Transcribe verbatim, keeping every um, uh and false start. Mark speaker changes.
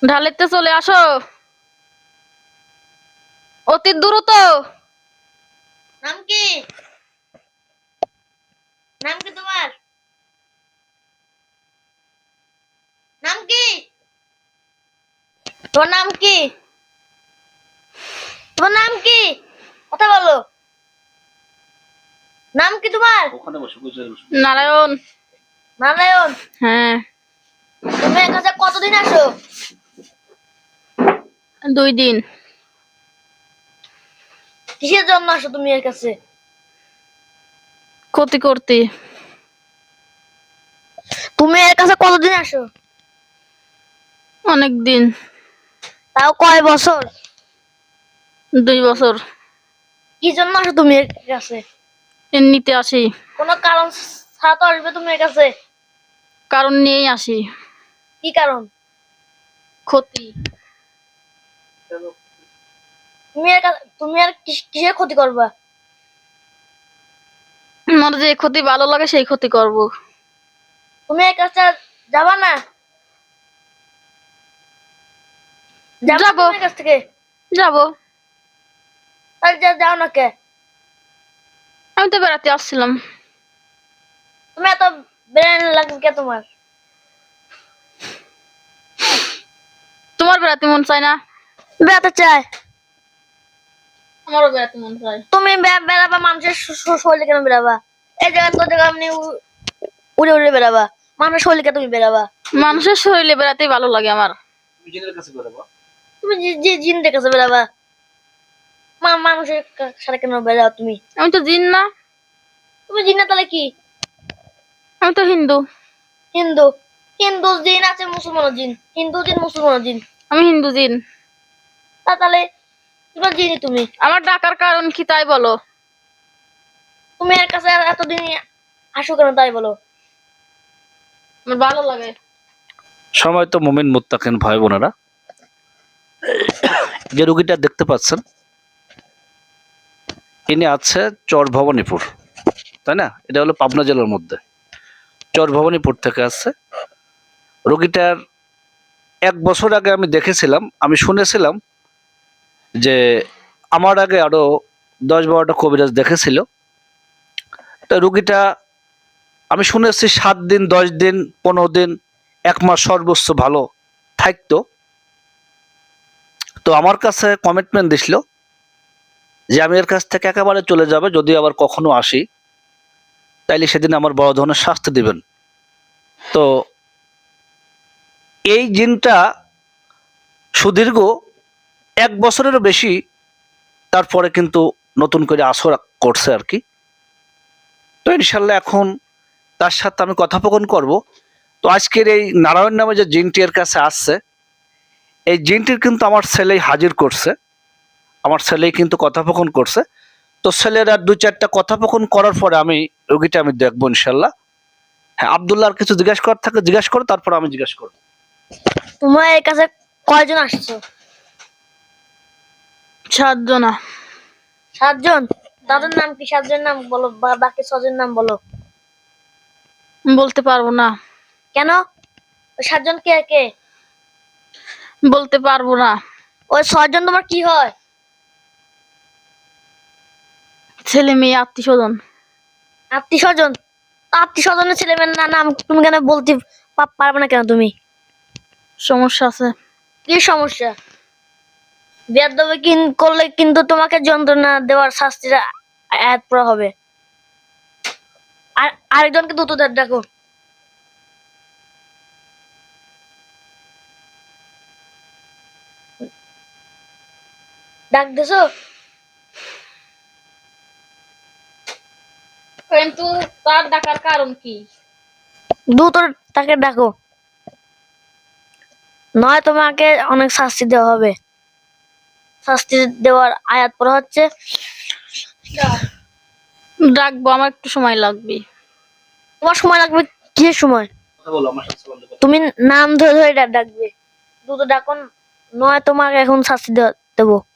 Speaker 1: ঢালেতে চলে আসো অতি দ্রুত।
Speaker 2: নাম কি? নাম কি তোমার? নাম কি? তোমার নাম কি? তোমার নাম কি? কথা বলো। নাম কি তোমার?
Speaker 3: ওখানে বসে বসে
Speaker 1: নারায়ণ।
Speaker 2: নারায়ণ।
Speaker 1: হ্যাঁ।
Speaker 2: তুমি এর কাছে কতদিন আসো?
Speaker 1: দুই দিন।
Speaker 2: কিসের জন্য আসো তুমি এর কাছে?
Speaker 1: ক্ষতি করতে।
Speaker 2: তুমি এর কাছে কতদিন আসো?
Speaker 1: অনেক দিন।
Speaker 2: তাও কয় বছর?
Speaker 1: দুই বছর।
Speaker 2: কি জন্য আসো তুমি এর কাছে?
Speaker 1: এমনিতে আসি।
Speaker 2: কোনো কারণ ছাড়া তো আসবে তুমি এর কাছে?
Speaker 1: কারণ নিয়েই আসি।
Speaker 2: কি কারণ?
Speaker 1: ক্ষতি।
Speaker 2: তুমি এর কাছে তুমি আর কিস- কিসের ক্ষতি করবা?
Speaker 1: আমার যে ক্ষতি ভালো লাগে সেই ক্ষতি করব।
Speaker 2: তুমি এর কাছে যাবা না? যাবা
Speaker 1: যাবো।
Speaker 2: তুমি এর কাছ থেকে?
Speaker 1: যাব।
Speaker 2: তাহলে যা- যাও না কে?
Speaker 1: আমি তো বেড়াতে আসছিলাম।
Speaker 2: তুমি এত বেড়ানো লাগবে কে তোমার?
Speaker 1: তোমার বেড়াতে মন চায় না?
Speaker 2: বেড়াতে চায়।
Speaker 1: আমারও বেড়াতে মন চায়।
Speaker 2: তুমি বে- বেড়াবা মানুষের শ- শ- শরীরে কেন বেড়াবা? এই জায়গা তো জায়গা আপনি উ- উড়ে উড়ে বেড়াবা। মানুষের শরীরে তুমি বেড়াবা।
Speaker 1: মানুষের শরীরে বেড়াতেই ভালো লাগে আমার।
Speaker 3: তুমি জিনের কাছে বেরোবো।
Speaker 2: তুমি যে- যে জিনদের কাছে বেড়াবা। মা- মানুষের কা- সাথে কেন বেড়াও তুমি?
Speaker 1: আমি তো জিন না।
Speaker 2: তুমি জিন না তাহলে কি?
Speaker 1: আমি তো হিন্দু।
Speaker 2: হিন্দু। হিন্দু জিন আছে, মুসলমান জিন। হিন্দু জিন, মুসলমান জিন।
Speaker 1: আমি হিন্দু জিন।
Speaker 2: তা তাহলে তোমার জিনই তুমি।
Speaker 1: আমার ডাকার কারণ কি তাই বলো?
Speaker 2: তুমি এর কাছে এতদিন আসো কেন তাই বলো?
Speaker 1: আমার ভালো লাগে।
Speaker 3: সময় তো মুমিন মুত্তাকিন ভাই বোনেরা, যে রোগীটা দেখতে পাচ্ছেন ইনি আছে চর ভবানীপুর, তাই না? এটা হলো পাবনা জেলার মধ্যে। চর ভবানীপুর থেকে আসছে রোগীটার। এক বছর আগে আমি দেখেছিলাম, আমি শুনেছিলাম যে আমার আগে আরো দশ বারোটা কবিরাজ দেখেছিল। তা রোগীটা আমি শুনেছি সাত দিন, দশ দিন, পনেরো দিন, এক মাস সর্বোচ্চ ভালো থাকতো। তো আমার কাছে কমিটমেন্ট দিছিল যে আমি এর কাছ থেকে একেবারে চলে যাবে, যদি আবার কখনো আসি তাইলে সেদিন আমার বড় ধরনের শাস্তি দিবেন। তো এই জিনটা সুদীর্ঘ এক বছরেরও বেশি তারপরে কিন্তু নতুন করে আসর করছে আর কি। তো ইনশাল্লাহ এখন তার সাথে আমি কথোপকথন করব। তো আজকের এই নারায়ণ নামে যে জিনটি এর কাছে আসছে, এই জিনটির কিন্তু আমার ছেলেই হাজির করছে, আমার ছেলেই কিন্তু কথোপকথন করছে। তো ছেলের আর দু চারটা কথোপকথন করার পরে আমি রোগীটা আমি দেখবো ইনশাল্লাহ। হ্যাঁ, আব্দুল্লাহ আর কিছু জিজ্ঞাসা করার থাকে জিজ্ঞাসা করো, তারপর আমি জিজ্ঞাসা করবো।
Speaker 2: তোমার এর কাছে কয়জন আসছো?
Speaker 1: সাতজনা।
Speaker 2: সাতজন। তাদের নাম কি? সাতজনের নাম বলো, বা- বাকি ছজনের নাম বলো।
Speaker 1: বলতে পারবো না।
Speaker 2: কেন? ওই সাতজন কে কে?
Speaker 1: বলতে পারবো না।
Speaker 2: ওই ছয়জন তোমার কি হয়?
Speaker 1: ছেলে মেয়ে আত্মীয় স্বজন।
Speaker 2: আত্মীয় স্বজন। আত্মীয় স্বজনের ছেলে মেয়ের না- নাম তুমি কেন বলতে পা- পারবে না কেন তুমি?
Speaker 1: সমস্যা আছে।
Speaker 2: কি সমস্যা? বেয়াদবি কিন করলে কিন্তু তোমাকে যন্ত্রণা দেওয়ার শাস্তিটা আয়াত পড়া হবে। আর আরেকজনকে দ্রুত ডা- ডাকো। ডাক দিছো?
Speaker 1: কিন্তু তার ডাকার কারণ কি?
Speaker 2: দ্রুত তাকে ডাকো, নয় তোমাকে অনেক শাস্তি দেওয়া হবে। শাস্তি দেওয়ার আয়াত পড়া হচ্ছে।
Speaker 1: ডাকবো, আমার একটু সময় লাগবে।
Speaker 2: তোমার সময় লাগবে? কিসের সময়?
Speaker 3: কথা বলো আমার সাথে বন্ধ করো।
Speaker 2: তুমি নাম ধরে ধরে ডা- ডাকবে। দ্রুত ডাকো, নয় তোমাকে এখন শাস্তি দেওয়া- দেবো।